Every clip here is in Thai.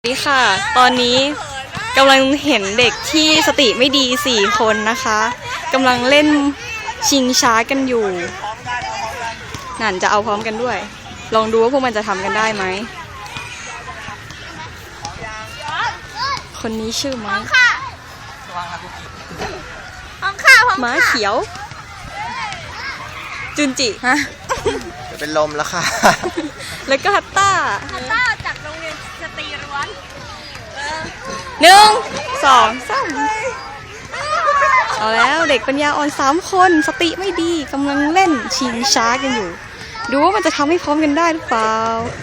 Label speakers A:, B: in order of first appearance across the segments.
A: นี่ค่ะตอนนี้กำลังเห็นเด็กที่สติไม่ดี4 คนนะคะกำลังเล่นชิงช้ากันอยู่นั่นจะเอาพร้อมกันด้วยลองดูว่าพวกมันจะทำกันได้ไหมคนนี้ชื่อม้าม้าเขียวจุนจิฮะ
B: จะเป็นลมแล้วค่ะ
A: แล้วก็ฮัตต้า
C: จากโรงเรียนสตรีล้วน
A: 1 2 3เอาแล้วเด็กปัญญาอ่อน3 คนสติไม่ดีกำลังเล่นชิงช้ากันอยู่ดูว่ามันจะทำให้พร้อมกันได้หรือเปล่า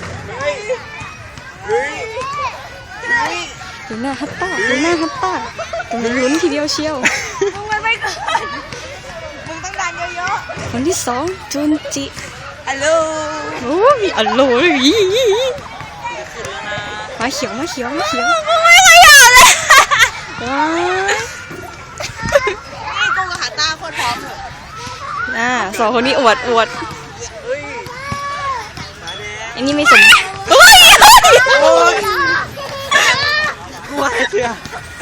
A: ดูหน้าฮัตต้ากำลังลุ้นทีเดียวเชียว
C: มึงไม่ก่อนมึงต้องดันเยอะ
A: ๆคนที่2จุนจิ
C: อัลโหล
A: โอ้ยอัลโหลมาเขียว
C: มึงไม่ขยันเลย
A: ว้า
C: นี่กูกับหาตาคนพร้อม
A: 2 คนนี้อวดอันนี้ไม่สม
B: ว่าเชื่อ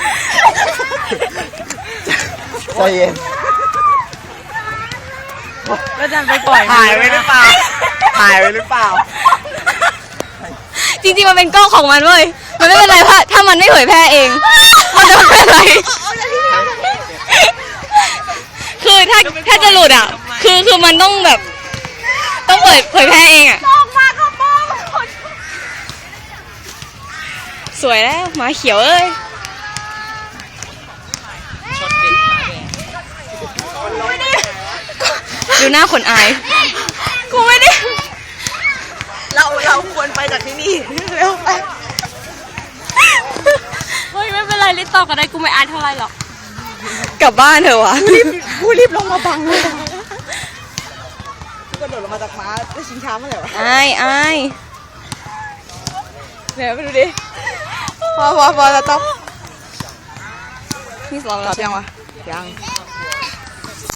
B: ใจเย็น
A: แล้วจะไปปล่อย
B: ถ่ายไว้หรือเปล่า
A: จริงๆมันเป็นกล้องของมันเว้ยมันไม่เป็นไรถ้ามันไม่เผยแพร่เองมันจะไม่เป็นไรคือถ้าจะหลุดอ่ะคือมันต้องแบบต้องเผยแพร่เองอ่ะสวยแล้วหมาเขียวเอ้ยดูหน้าคนอายกูไม่ได้
C: เราควรไปจากที่นี่เร็วไป
A: เฮ้ยไม่เป็นไรรีบต่อกันได้กูไม่อายเท่าไรหรอกกลับบ้านเถอะวะ
C: กูรีบลงมาบังเลยกูกระโดดลงมาจากม้าจะชิงช้าเมื่อไหร่วะ
A: อาย
C: เนี่ยไปดูดิพอจะต้อง
A: นี่สองแล้ว
C: ยังวะยัง